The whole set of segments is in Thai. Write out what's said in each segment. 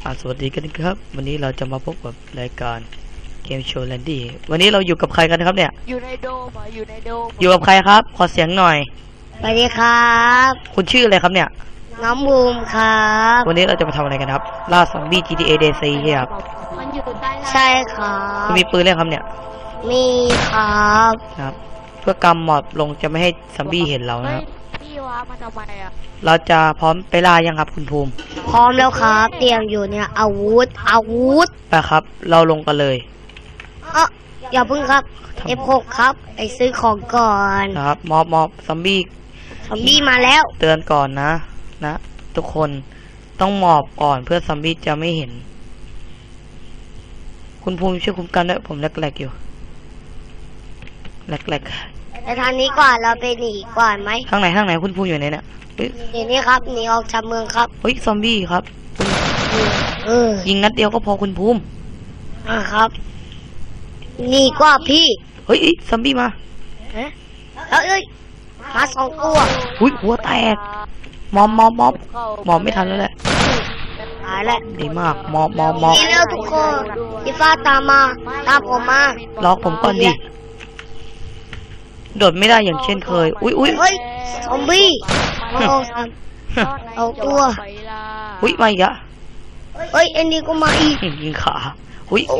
สวัสดีกันครับวันนี้เราจะมาพบกับรายการเกมโชว์แลนดี้วันนี้เราอยู่กับใครกันครับเนี่ยอยู่ในโดมอยู่ในโดมอยู่กับใครครับขอเสียงหน่อยสวัสดีครับคุณชื่ออะไรครับเนี่ยน้องบูมครับวันนี้เราจะมาทำอะไรกันครับล่าซอมบี้ GTA DC ครับมันอยู่ใต้ใช่ครับคุณมีปืนเล่นครับเนี่ยมีครับเพื่อกำหมอบลงจะไม่ให้ซอมบี้เห็นเรานะครับพี่วะมาทำไมอ่ะเราจะพร้อมไปล่ายังครับคุณภูมิพร้อมแล้วครับเตรียมอยู่เนี่ยอาวุธไปครับเราลงกันเลยอย่าพึ่งครับ F6 ครับไปซื้อของก่อนนะครับมอบซอมบี้มาแล้วเตือนก่อนนะทุกคนต้องหมอบก่อนเพื่อซอมบี้จะไม่เห็นคุณภูมิช่วยคุ้มกันด้วยผมแหลกๆอยู่แหลกไปทางนี้ก่อนเราไปหนีก่อนไหมทางไหนคุณภูมิอยู่ไหนเนี่ยเดี๋ยวนี้ครับหนีออกจากเมืองครับเฮ้ยซอมบี้ครับยิงนัดเดียวก็พอคุณภูมิครับหนีกว่าพี่เฮ้ยซอมบี้มาเอ้ยมา2 ตัวอุ้ยหัวแตกมอบไม่ทันแล้วแหละตายแล้วดีมากมอบนี่แล้วทุกคนพี่ฟ้าตามผมมาล็อกผมก่อนดิโดดไม่ได้อย่างเช่นเคยอุ้ยเฮ้ยซอมบี้เอาตัวอุ้ยมาอีกอะเฮ้ยอันนี้ก็มาอีกยิงขาอุ้ยโอ้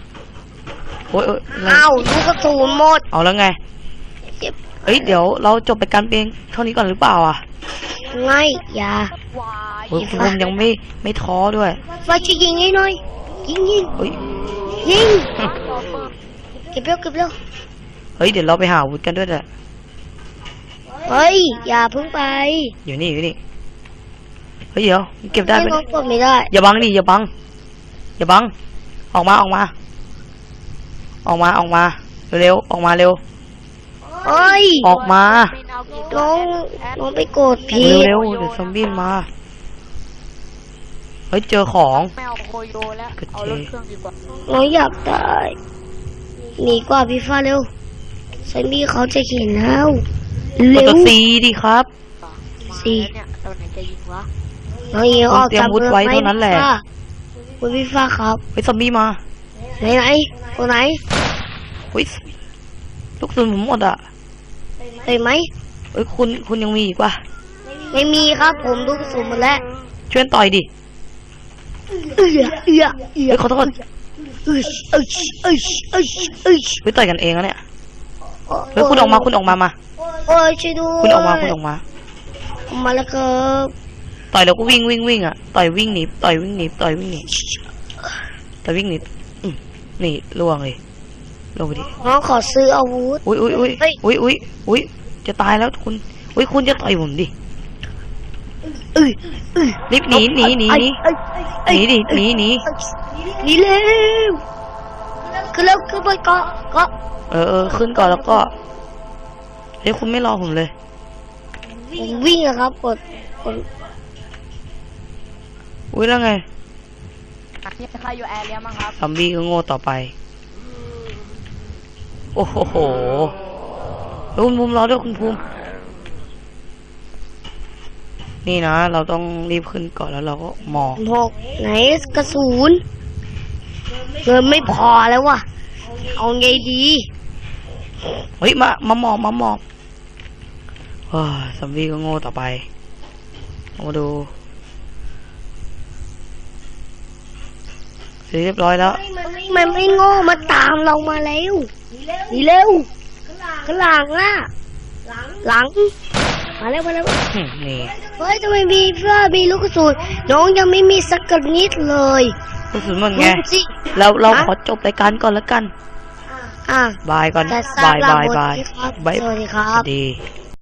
เอาลูกกระสุนหมดเอาแล้วไงเอ้ยเดี๋ยวเราจบไปการเพียงเท่านี้ก่อนหรือเปล่าอ่ะไม่อย่าคุณยังไม่ท้อด้วยว่าจะยิงให้หน่อยยิงยิงเก็บเร็วเฮ้ยเดี๋ยวเราไปหาอาวุธกันด้วยแหละเฮ้ยอย่าพึ่งไปอยู่นี่เฮ้ยเดี๋ยวเก็บได้ไหมไม่ได้อย่าบังดิอย่าบังออกมาเร็วออกมาเร็วเฮ้ยออกมาน้องไปโกรธพี่เร็วเดี๋ยวซอมบี้มาเฮ้ยเจอของไม่เอาโคโยแล้วเอารถเครื่องดีกว่าน้องอยากตายหนีกว่าพี่ฟ้าเร็วซอมบี้เขาจะเห็นแล้วเร็วซีดิครับซีเนี่ยตอนไหนจะยิงวะน้องยิงออกจากเมืองไว้เท่านั้นแหละคุณพี่ฟ้าครับเฮ้ยซอมบี้มาไหนตัวไหนเฮ้ยลูกศรผมหมดอ่ะเห็นไหมเอ้ยคุณยังมีอีกป่ะไม่มีครับผมลูกศรหมดแล้วช่วยต่อยดิเฮ้ยขอโทษไปต่อยกันเองแล้วเนี่ยเฮ้ยคุณออกมามาโอ้ยช่วยด้วยคุณออกมาแล้วครับต่อยแล้วก็วิ่งอ่ะต่อยวิ่งหนีนี่ล่วงเลยลงไปดิน้องขอซื้ออาวุธอุ้ยจะตายแล้วคุณคุณจะต่อยผมดิรีบหนีดิหนีเร็วขึ้นไปเกาะขึ้นก่อนแล้วก็เฮ้ยคุณไม่รอผมเลยผมวิ่งนะครับกดอุ้ยแล้วไงนี่ใครอยู่แอร์เรียมั้งครับซอมบี้ก็โง่ต่อไปโอ้โหคุณภูมิรอด้วยคุณภูมินี่นะเราต้องรีบขึ้นก่อนแล้วเราก็หมอบไหนกระสุนเงินไม่พอแล้ววะเอาไงดีเฮ้ยมาหมอบซอมบี้ก็โง่ต่อไปมาดูเรียบร้อยแล้วมันไม่โง่มาตามเรามาแล้วนี่เร็วข้างหลังอ่ะหลังมาแล้วนี่เฮ้ยทำไมมีลูกกระสุนน้องยังไม่มีสักนิดเลยกระสุนมันไงเราขอจบรายการก่อนแล้วกันบายก่อนบายสวัสดีครับดี